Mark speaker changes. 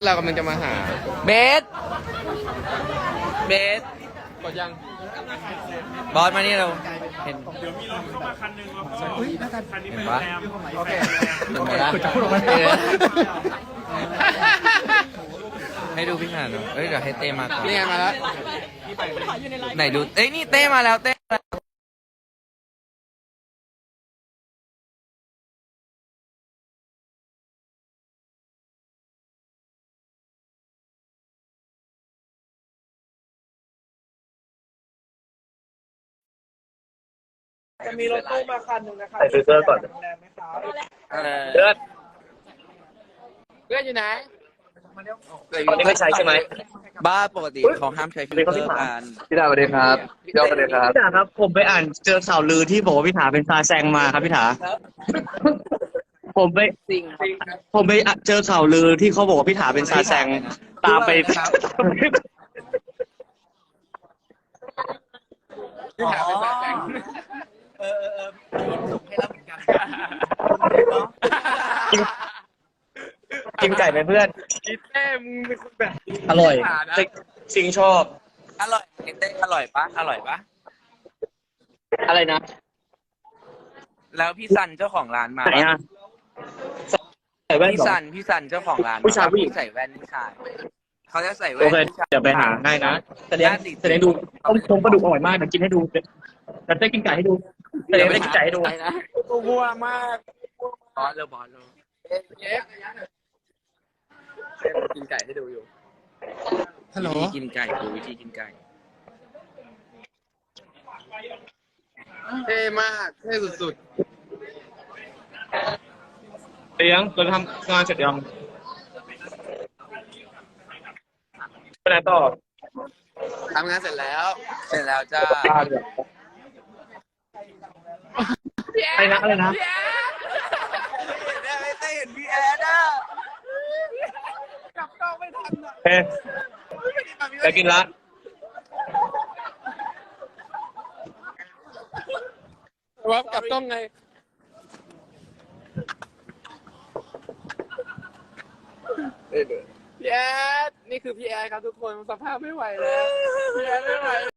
Speaker 1: เรากำลังจะมาหา
Speaker 2: เบส
Speaker 1: กดยัง
Speaker 2: บอสมานี่เราเห็น
Speaker 3: เดี๋ยวมีรถเข้ามาคันหนึ่งแล้วก็คันนี้เป็นโร
Speaker 2: ปะ
Speaker 3: งแรม
Speaker 1: โอเค
Speaker 2: เห็นปะให้ดูพี่หานหน่อยเอ้ยเดี๋ยวให้เต้มาก่อน
Speaker 1: นี่ไงมาแล้ว
Speaker 2: ไหนดูเอ้ยนี่เต้มาแล้วเต้
Speaker 3: จะมีรถตู้มาคันหนึ่งนะคะ
Speaker 4: ใส่ฟิลเตอร์ก่อน
Speaker 3: โรงแรมไหมคะ
Speaker 4: เลือด
Speaker 1: เพื่อนอยู่ไหน
Speaker 4: ตอนนี้ไม่ใช้ใช่ไหม
Speaker 2: บ้าปกติเขาห้ามใช้ฟิลเตอร์กัน
Speaker 4: พี่ดาสวัสดีครับพี่ดาสวัสดีครับ
Speaker 5: พี่ถาครับผมไปอ่านเจอข่าวลือที่บอกว่าพี่ถาเป็นซาแซงมาครับพี่ถาผมไปเจอข่าวลือที่เขาบอกว่าพี่ถาเป็นซาแซงตามไป
Speaker 1: ที่ถามเป็นแบบแบงค์
Speaker 5: กินไก่ไหมเพื่อน
Speaker 1: อีเต้มึงเป็นคนแบบ
Speaker 5: อร่อย
Speaker 1: หานะ
Speaker 5: สิงชอบ
Speaker 2: อร่อยเต้อร่อยปะ
Speaker 5: อะไรนะ
Speaker 2: แล้วพี่ซันเจ้าของร้านมา
Speaker 5: ไหนอ่ะใส่แว่น
Speaker 2: พี่
Speaker 5: เหรอ
Speaker 2: ซันเจ้าของร้าน
Speaker 5: ผู้ชายผู้หญิง
Speaker 2: ใส่แว่นผู้ชายเขาจะใส่แว่
Speaker 5: โอน เค
Speaker 2: ผู้ชาย
Speaker 5: เดี๋ยวไปหาให้นะแสดงดูต้มปลาดุกอร่อยมากเดี๋ยวกินให้ดูเดี๋ยวเต้กินไก่ให้ดูเดี๋ยวเต้กินไก่ให้ดู
Speaker 1: ตัววัวมาก
Speaker 2: บอสเลย
Speaker 1: เย้กินไก่ให้ดูอยู่ฮัลโหล
Speaker 2: วิธีกินไก่ดูวิธีกินไก่
Speaker 1: เท่มากเท่สุด
Speaker 5: เตียงเราทำงานเสร็จยังไปไหนต่อ
Speaker 1: ๆทำงานเสร็จแล้ว
Speaker 2: เสร็จแล้วจ้า
Speaker 5: อะไรนะ
Speaker 2: ไม่ได้เห็นพี่แอนอ่ะ
Speaker 5: เฮ้ยจะกินละ
Speaker 1: วับกลับต้องไงพี่แอดนี่คือพี่แอดครับทุกคนสภาพไม่ไหวแล้วพี่แอดไม่ไหว